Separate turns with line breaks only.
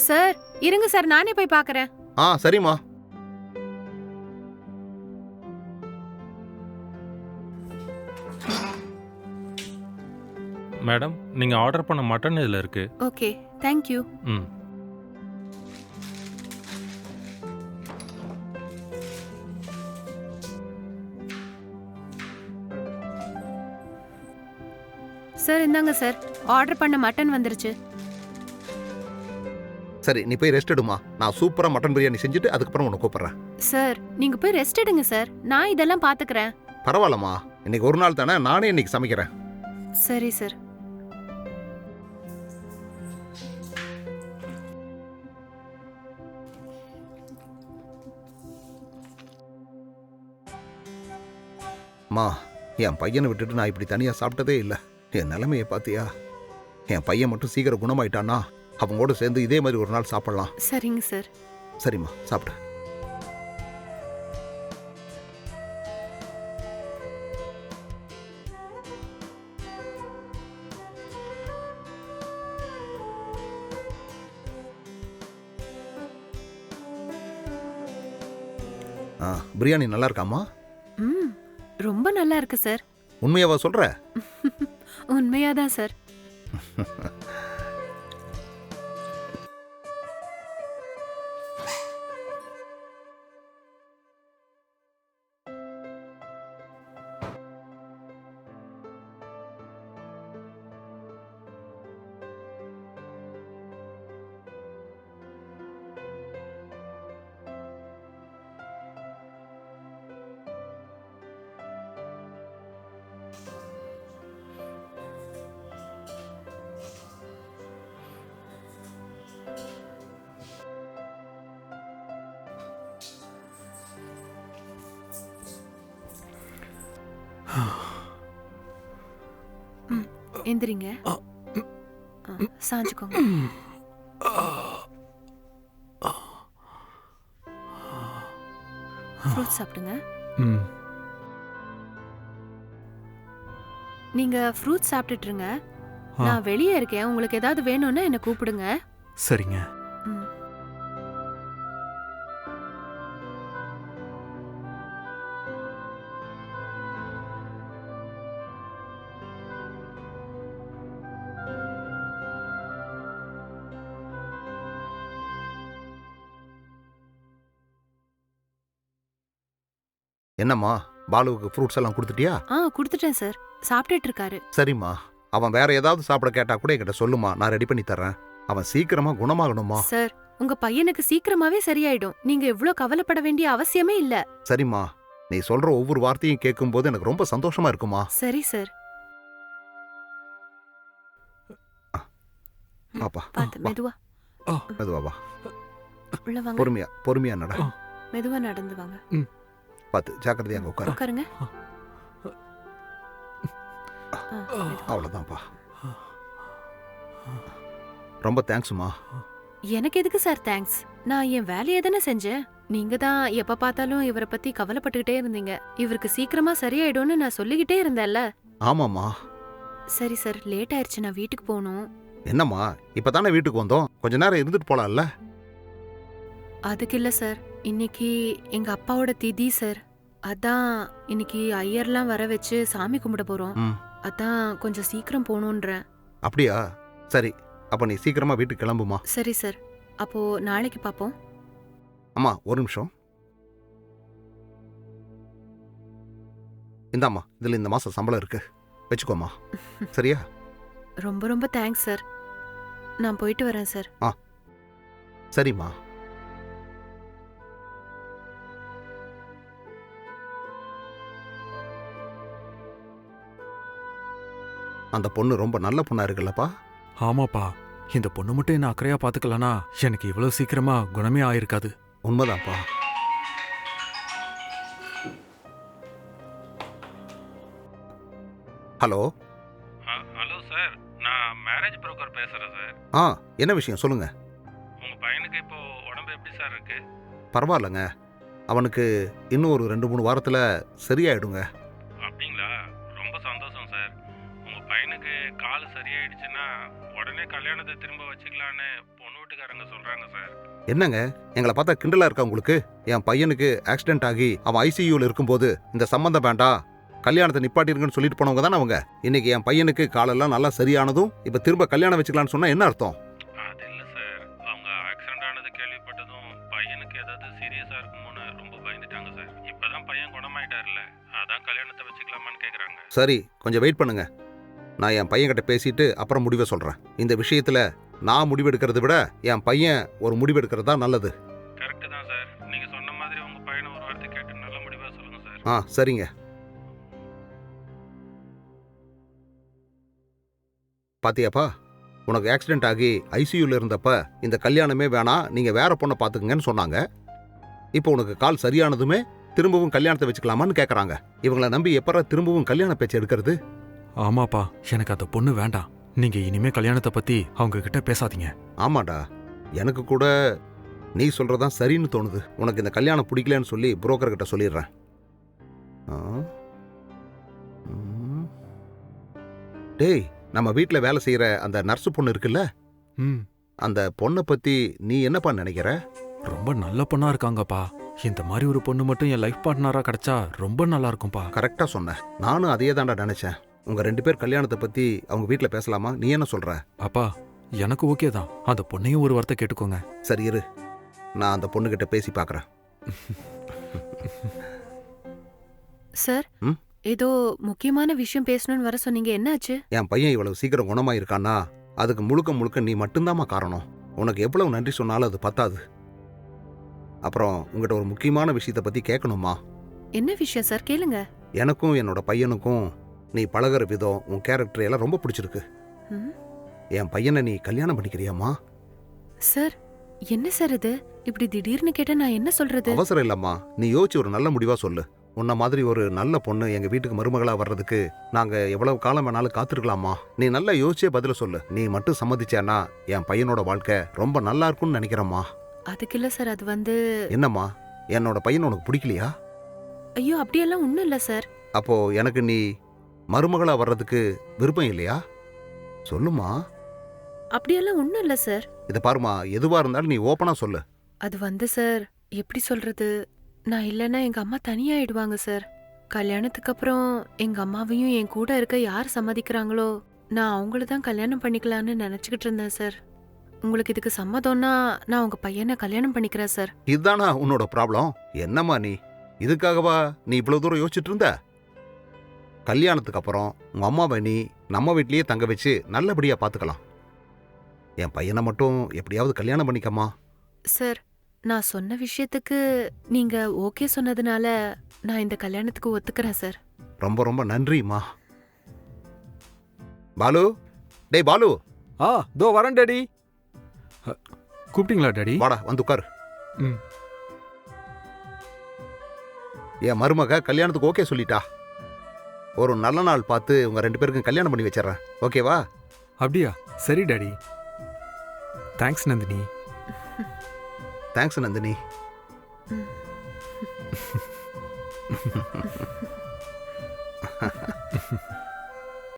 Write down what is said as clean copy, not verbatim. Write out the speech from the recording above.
Sir இருங்க sir, நானே போய் பார்க்கறேன்.
சரிம்மா.
மேடம், நீங்க ஆர்டர் பண்ண மட்டன் இதுல இருக்கு.
Okay, thank you.
ம்.
சார் இந்தாங்க சார், ஆர்டர் பண்ண மட்டன் வந்துருச்சு.
சரி, நீ போய் ரெஸ்ட் எடுமா. நான் சூப்பரா மட்டன் பிரியாணி செஞ்சுட்டு அதுக்கப்புறம் உன்னை கூப்பிடுறேன்.
சார் நீங்க போய் ரெஸ்ட் எடுங்க சார், நான் இதெல்லாம் பாத்துக்கிறேன்.
பரவாயில்லம்மா, இன்னைக்கு ஒரு நாள் தானே, நானே இன்னைக்கு சமைக்கிறேன்.
சரி சார்.
அம்மா, என் பையனை விட்டுட்டு நான் இப்படி தனியா சாப்பிட்டதே இல்லை. என் நிலைமையை பாத்தியா? என் பையன் மட்டும் சீக்கிரம் குணமாயிட்டானா அவங்களோட சேர்ந்து இதே மாதிரி ஒரு நாள் சாப்பிடலாம்.
சரிங்க சார்.
சரிம்மா, சாப்பிடு. பிரியாணி நல்லா இருக்காமா?
ரொம்ப நல்லா இருக்கு சார்.
உண்மையாவா சொல்ற?
உண்மையாதான் சார். எந்திரிங்க, சாஞ்சுக்கோங்க. ஃப்ரூட் சாப்பிடுங்க. நீங்க ஃப்ரூட் சாப்பிட்டுட்டு இருங்க, நான் வெளியே இருக்கேன். உங்களுக்கு ஏதாவது வேணும்னா என்ன கூப்பிடுங்க.
சரிங்க.
என்னம்மா, பாலுவுக்கு ஃப்ரூட்ஸ் எல்லாம் கொடுத்துட்டியா?
கொடுத்துட்டேன் சார், சாப்பிட்டுட்டு இருக்காரு.
சரிம்மா, அவன் வேற ஏதாவது சாப்பிட கேட்டா கூட என்கிட்ட சொல்லுமா, நான் ரெடி பண்ணி தரேன். அவன் சீக்கிரமா குணமாகணுமா?
சார் உங்க பையனுக்கு சீக்கிரமாவே சரியாயிடும், நீங்க இவ்ளோ கவலைப்பட வேண்டிய அவசியமே இல்ல.
சரிம்மா, நீ சொல்ற ஒவ்வொரு வார்த்தையும் கேட்கும் போது எனக்கு ரொம்ப சந்தோஷமா இருக்குமா.
சரி சார்.
பாப்பா,
மெதுவா
மெதுவா வா.
உள்ள வாங்க.
பொறுமையா பொறுமையா நட.
மெதுவா நடந்து வாங்க.
பாத்து ஜாக்கிரதையா அங்க உட்காரு.
உட்காருங்க.
அவ்வளவுதான்ப்பா. ரொம்ப தேங்க்ஸ்மா.
எனக்கு எதுக்கு சார் தேங்க்ஸ்? நான் என் வேலையை தானே செஞ்சேன். நீங்க தான் எப்ப பார்த்தாலும் இவரை பத்தி கவலைப்பட்டுக்கிட்டே இருந்தீங்க. இவருக்கு சீக்கிரமா சரியாயிடும்னு நான் சொல்லிக்கிட்டே இருந்தேன்ல.
ஆமாமா.
சரி சார், லேட் ஆயிடுச்சு, நான் வீட்டுக்கு போகணும்.
என்னம்மா, இப்பதானே வீட்டுக்கு வந்தோம், கொஞ்ச நேரம் இருந்துட்டு போலாம்ல?
அதுக்கு இல்ல சார், இன்னைக்கு எங்க அப்பாவோட திதி சார். அதான் இன்னைக்கு ஐயர்லாம் வர வச்சு சாமி கும்பிட போறோம். அதான் கொஞ்சம் சீக்கிரம் போகணுன்றேன்.
அப்படியா? சரி, அப்ப நீ சீக்கிரமா வீட்டுக்கு கிளம்புமா.
சரி சார், அப்போ நாளைக்கு பாப்போம்.
அம்மா ஒரு நிமிஷம். இந்தாம்மா, இதுல இந்த மாசம் சம்பளம் இருக்கு, வச்சுக்கோமா. சரியா?
ரொம்ப ரொம்ப தேங்க்ஸ் சார். நான் போயிட்டு வரேன் சார்.
சரிம்மா. அந்த பொண்ணு ரொம்ப நல்ல பொண்ணா இருக்குல்லப்பா.
ஆமாப்பா, இந்த பொண்ணு மட்டும் என்ன அக்கறையா பாத்துக்கலனா எனக்கு இவ்வளவு சீக்கிரமா குணமே ஆயிருக்காது.
உண்மைதான்ப்பா. ஹலோ.
ஹலோ சார், நான் மேரேஜ் புரோக்கர் பேசுறேன் சார்.
என்ன விஷயம் சொல்லுங்க.
உங்க பையனுக்கு இப்போ உடம்பு எப்படி சார் இருக்கு?
பரவாயில்லங்க, அவனுக்கு இன்னும் ஒரு 2-3 வாரத்துல சரியாயிடுங்க.
அப்படிங்களா? ரொம்ப சந்தோஷம் சார். உங்க பையனுக்கு கால் சரியாயிடுச்சுன்னா உடனே கல்யாணத்தை திரும்ப வச்சுக்கலான்னு பொண்ணு வீட்டுக்காரங்க சொல்றாங்க சார்.
என்னங்க எங்களை பார்த்தா கிண்டலா இருக்கா உங்களுக்கு? என் பையனுக்கு ஆக்சிடென்ட் ஆகி அவன் ஐசியூல இருக்கும்போது இந்த சம்பந்தம் வேண்டாம், கல்யாணத்தை நிப்பாட்டிருங்கன்னு சொல்லிட்டு போனவங்க தானே அவங்க. இன்னைக்கு என் பையனுக்கு காலெல்லாம் நல்லா சரியானதும் இப்ப திரும்ப கல்யாணம் வச்சுக்கலான்னு சொன்னா என்ன அர்த்தம்?
அது இல்லை சார், அவங்க ஆக்சிடென்ட் ஆனது கேள்விப்பட்டதும் பையனுக்கு ஏதாவது சீரியஸா இருக்குமோன்னு ரொம்ப பயந்துட்டாங்க சார். இப்பதான் பையன் குணமாயிட்டார்ல, அதான் கல்யாணத்தை வச்சுக்கலாமான்னு கேக்குறாங்க.
சரி, கொஞ்சம் வெயிட் பண்ணுங்க. நான் என் பையன்கிட்ட பேசிட்டு அப்புறம் முடிவை சொல்றேன். இந்த விஷயத்துல நான் முடிவெடுக்கிறத விட என் பையன் ஒரு முடிவெடுக்கிறது தான் நல்லது.
கரெக்டு தான் சார், நீங்க சொன்ன மாதிரி உங்க பையனை ஒரு வார்த்தை கேட்டு நல்ல முடிவா சொல்லுங்க சார்.
சரிங்க. பாத்தியாப்பா, உனக்கு ஆக்சிடென்ட் ஆகி ஐசியூல இருந்தப்ப இந்த கல்யாணமே வேணாம், நீங்க வேற பொண்ணை பாத்துக்கங்கன்னு சொன்னாங்க. இப்போ உனக்கு கால் சரியானதுமே திரும்பவும் கல்யாணத்தை வச்சுக்கலாமான்னு கேக்குறாங்க. இவங்களை நம்பி எப்பற திரும்பவும் கல்யாண பேச்சு எடுக்கிறது?
ஆமாப்பா, எனக்கு அந்த பொண்ணு வேண்டாம். நீங்க இனிமே கல்யாணத்தை பத்தி அவங்க கிட்ட பேசாதீங்க.
ஆமாடா, எனக்கு கூட நீ சொல்றதான் சரின்னு தோணுது. உனக்கு இந்த கல்யாணம் பிடிக்கலன்னு சொல்லி புரோக்கர் கிட்ட சொல்லிடுறேன். டேய், நம்ம வீட்டில் வேலை செய்யற அந்த நர்ஸு பொண்ணு இருக்குல்ல, அந்த பொண்ணை பத்தி நீ என்னப்பா நினைக்கிற?
ரொம்ப நல்ல பொண்ணா இருக்காங்கப்பா. இந்த மாதிரி ஒரு பொண்ணு மட்டும் என் லைஃப் பார்ட்னரா கிடைச்சா ரொம்ப நல்லா இருக்கும்பா.
கரெக்டா சொன்ன, நானும் அதே தான்டா நினைச்சேன். உங்க 2 பேர் கல்யாணத்தை பத்தி அவங்க வீட்டில் பேசலாமா? நீ என்ன சொல்ற?
அப்பா, எனக்கு ஓகே தான். அந்த பொண்ணையும் ஒரு வார்த்தை கேட்டுக்கோங்க.
சரி இரு, நான் அந்த பொண்ணுகிட்ட பேசி பார்க்கறேன்.
சார், ஏதோ முக்கியமான விஷயம் பேசணும்னு வர சொன்னீங்க, என்னாச்சு?
என் பையன் இவ்வளவு சீக்கிரம் குணமாயிருக்கான்னா அதுக்கு முழுக்க முழுக்க நீ மட்டும்தாம்மா காரணம். உனக்கு எவ்வளவு நன்றி சொன்னாலும் அது பத்தாது. அப்புறம் உங்ககிட்ட ஒரு முக்கியமான விஷயத்தை பத்தி கேட்கணுமா?
என்ன விஷயம் சார்? கேளுங்க.
எனக்கும் என்னோட பையனுக்கும் நீ பழகுற விதம், உன் கேரக்டர் எல்லாம் ரொம்ப பிடிச்சிருக்கு. என் பையனை நீ கல்யாணம் பண்ணிக்கிறியாமா?
சார், என்ன சார் இது? இப்படி திடீர்னு கேட்டா நான் என்ன சொல்றது?
அவசரம் இல்லம்மா, நீ யோசிச்சு ஒரு நல்ல முடிவா சொல்லு. உன்ன மாதிரி ஒரு நல்ல பொண்ணு எங்க வீட்டுக்கு மருமகளா வர்றதுக்கு நாங்க எவ்வளவு காலம் வேணாலும் காத்திருக்கலாமா? நீ நல்லா யோசிச்சே பதில சொல்லு. நீ மட்டும் சம்மதிச்சேன்னா என் பையனோட வாழ்க்கை ரொம்ப நல்லா இருக்கும்னு நினைக்கிறேம்மா.
அதுக்கு இல்ல சார், அது வந்து...
என்னம்மா, என்னோட பையன் உனக்கு பிடிக்கலையா?
ஐயோ, அப்படியெல்லாம் ஒண்ணும் இல்ல சார்.
அப்போ எனக்கு நீ மருமகளா வர்றதுக்கு விருப்பம் இல்லையா? சொல்லுமா.
அப்படியெல்லாம் ஒண்ணும் இல்ல சார்.
இத பாருமா, எதுவா இருந்தாலும் நீ ஓப்பனா சொல்லு.
அது வந்து சார், எப்படி சொல்றது, நான் இல்லைன்னா எங்க அம்மா தனியாயிடுவாங்க சார். கல்யாணத்துக்கு அப்புறம் எங்க அம்மாவையும் என் கூட இருக்க யார் சம்மதிக்கிறாங்களோ நான் அவங்கள தான் கல்யாணம் பண்ணிக்கலான்னு நினைச்சுக்கிட்டு இருந்தேன் சார். உங்களுக்கு இதுக்கு சம்மதம்னா நான் உங்க பையனை கல்யாணம் பண்ணிக்கிறேன் சார்.
இதுதானா உன்னோட ப்ராப்ளம்? என்னம்மா நீ இதுக்காகவா நீ இவ்வளவு தூரம் யோசிச்சுட்டு இருந்த? கல்யாணத்துக்கு அப்புறம் உங்க அம்மாவை நீ நம்ம வீட்லயே தங்க வச்சு நல்லபடியா பாத்துக்கலாம். என் பையனை மட்டும் எப்படியாவது கல்யாணம் பண்ணிக்கம்மா.
சார், நான் சொன்ன விஷயத்துக்கு நீங்க ஓகே சொன்னதுனால நான் இந்த கல்யாணத்துக்கு ஒத்துக்கிறேன் சார்.
ரொம்ப ரொம்ப நன்றிம்மா. பாலு, டேய் பாலு.
தோ வரேன் டாடி. கூப்பிட்டீங்களா டாடி?
வாடா, வந்து உட்காரு. என் மருமக கல்யாணத்துக்கு ஓகே சொல்லிட்டா. ஒரு நல்ல நாள் பார்த்து உங்க 2 பேருக்கும் கல்யாணம் பண்ணி வச்சிடறேன். ஓகேவா?
அப்படியா? சரி daddy. Thanks Nandini.
Thanks Nandini.